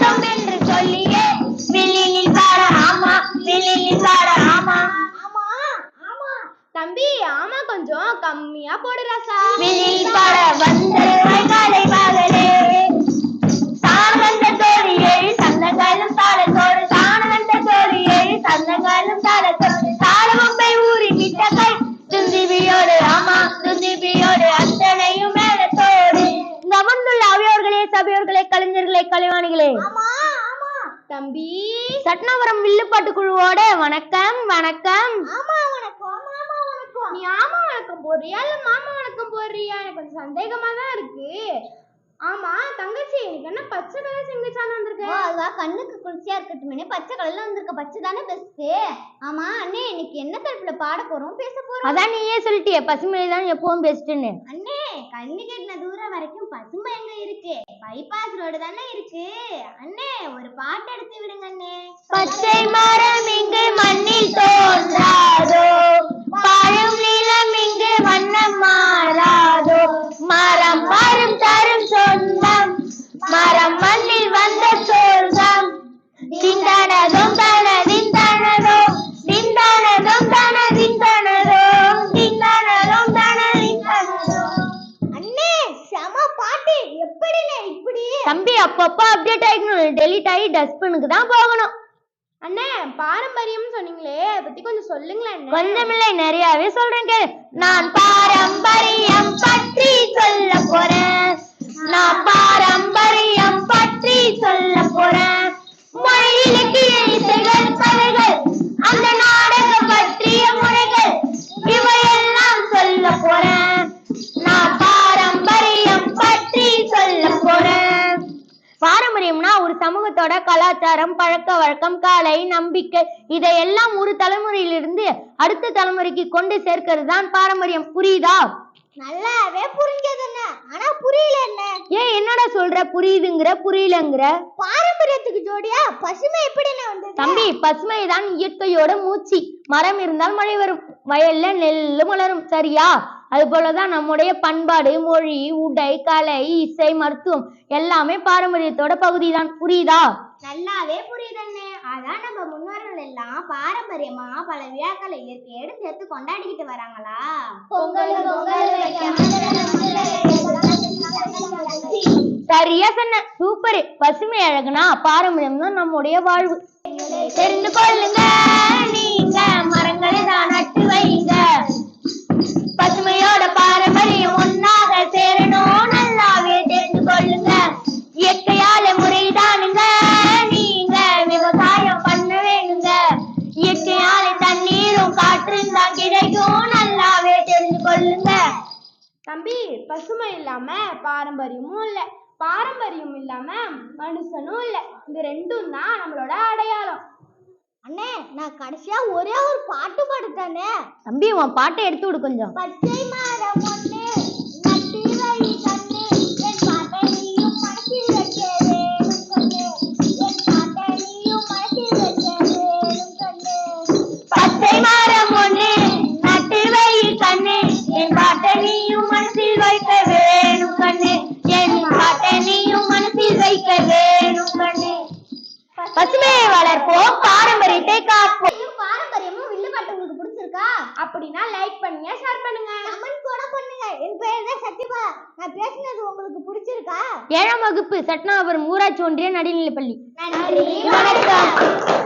வேண்டும் என்று சொல்லியே வில்லில் பாட ஆமா வில்லில் பாட ஆமா. தம்பி ஆமா கொஞ்சம் கம்மியா போடு ராசா. வில்லில் பாட வந்தது வைகாலை பாகலே தானந்த தோழி ஏழு சந்தங்களும் தாளத்தோடு தானந்த தோழி ஏழு சந்தங்களும் தாளத்தோடு தாளவம்பை ஊறி விட்ட கை துந்திபியோடு ஆமா துந்திபியோடு அத்தனையும் மேலத்தோடு. இந்த அமர்ந்துள்ள அவையோர்களே சபையோர்களே கலைஞர்களே கலைவாணிகளே தம்பி சட்னாபுரம் வில்லுப்பாட்டு குழுவோட வணக்கம் வணக்கம். நீ ஆமா வணக்கம் போடுறியா இல்ல மாமா வணக்கம் போடுறியா? எனக்கு கொஞ்சம் சந்தேகமா தான் இருக்கு. ஆமா தங்கச்சி எனக்கு என்ன பச்சை கலர் சிங்கிச்சான் வந்திருக்கு? அதுதான் கண்ணுக்கு குளிர்ச்சியா இருக்கட்டுமே பச்சை கலர்ல வந்திருக்க. பச்சை தானே பெஸ்ட். ஆமா அண்ணே இன்னைக்கு என்ன தலைப்புல பாட போறோம் பேச போறோம்? அதான் நீயே சொல்லிட்டியே பசுமை தான் எப்பவும் பெஸ்ட்னு. அண்ணே கண்ணு கட்டின தூரம் வரைக்கும் பசுமை எங்க இருக்கு? பைபாஸ் ரோடு தானே இருக்கு. அண்ணே ஒரு பாட்டு எடுத்து விடுங்க அண்ணே. பச்சை மரம் இங்கு மண்ணில் தோன்றாதோ பழம் நிலம் இங்கு வண்ணம் மாறாதோ மரம் மரம் தரும் சொந்தம் மரம் மண்ணில் வந்த சொர்க்கம் திண்டானதும் தனதின் தனதோ திண்டானதும் தனதின் தனதோ திண்டானதும் தனதின் தனதோ. அண்ணே செம பாட்டு எப்படினே இப்படி? தம்பி அப்பப்போ அப்டேட் ஆகிக்கணும். டெலிட் ஆகி டஸ்ட்பினுக்கு தான் போகணும். அண்ணே பாரம்பரியம் சொன்னீங்களே அதை பத்தி கொஞ்சம் சொல்லுங்களேன். கொஞ்சமில்லை நிறையவே சொல்றேன் கேளு. நான் பாரம்பரியம் பற்றி சொல்ல போறேன். நான் பாரம்பரியம் பற்றி சொல்ல போறேன். மொழி இலக்கிய இசைகள் கதைகள் அந்த நாடகம் பற்றிய முறைகள் இவையெல்லாம் சொல்ல போறேன். நான் பாரம்பரியம் பற்றி சொல்ல போறேன். பாரம்பரியம்னா ஒரு சமூகத்தோட கலாச்சாரம் பழக்க வழக்கம் கலை நம்பிக்கை இதையெல்லாம் ஒரு தலைமுறையிலிருந்து அடுத்த தலைமுறைக்கு கொண்டு சேர்க்கிறது தான் பாரம்பரியம். புரியுதா? நல்லாவே புரிஞ்சது அண்ணா. ஆனா புரியல என்ன? ஏன் என்னடா சொல்ற புரியுதுங்கிற புரியலங்கிற? பாரம்பரியத்துக்கு ஜோடியா பசுமை எப்படி வந்து? தம்பி பசுமை தான் இயற்கையோட மூச்சு. மரம் இருந்தால் மழை வரும் வயல்ல நெல்லு மலரும் சரியா? அது போலதான் நம்முடைய பண்பாடு மொழி உடை கலை இசை மருத்துவம் எல்லாமே பாரம்பரியத்தோட பகுதி தான். புரியுதா? நல்லாவே புரியுதுன்னு. அதான் நம்ம முன்னோர்கள் எல்லாம் பாரம்பரியமா பல விழாக்களை இயற்கையோடு சேர்த்து கொண்டாடிக்கிட்டு வராங்களா? சரியா சொன்ன சூப்பர். பசுமை அழகுனா பாரம்பரியம் தான் நம்முடைய வாழ்வு. தெரிந்து கொள்ளுங்க நீங்க மரங்களை தான் நட்டு வைங்க. பசுமையோட பாரம்பரியம் ஒன்னாக சேரணும் நல்லாவே தெரிந்து கொள்ளுங்க. இயற்கையால முறைதானுங்க நீங்க விவசாயம் பண்ண வேணுங்க. இயற்கையால தண்ணீரும் காற்றும் தான் கிடைக்கும் நல்லாவே தெரிந்து கொள்ளுங்க. தம்பி பசுமை இல்லாம பாரம்பரியமும் இல்ல பாரம்பரியம் இல்லாம மனுஷனும் இல்ல. இந்த ரெண்டும் தான் நம்மளோட அடையாளம். அண்ணே நான் கடைசியா ஒரே ஒரு பாட்டு பாடுத்தானே. தம்பி உன் பாட்டை எடுத்து விடு கொஞ்சம். பச்சை மரம் ஒண்ணு நட்டு வை கண்ணு என் பாட்டை நீயும் மனசில் வைக்க வேணும் கண்ணு என் பாட்டை நீயும் மனசில் வைக்க வேணும் கண்ணு. பச்சை மரம் ஒண்ணு நட்டு வை கண்ணு என் பாட்டை நீயும் மனசில் வைக்க வேணும் கண்ணு என் பாட்டை நீயும் மனசில் வைக்க வேணும் கண்ணு. பசுமையை வளர்ப்போம் பாரம்பரியத்தை காப்போம். பாரம்பரியமும் வில்லுப்பாட்டு உங்களுக்கு பிடிச்சிருக்கா? அப்படின்னா லைக் பண்ணுங்க ஷேர் பண்ணுங்க கமெண்ட் கூட பண்ணுங்க. என் பேர் தான் சத்யபா. நான் பேசினது உங்களுக்கு பிடிச்சிருக்கா? 7ஆம் வகுப்பு சட்னாபுரம் ஊராட்சி ஒன்றிய நடுநிலைப்பள்ளி. நன்றி வணக்கம்.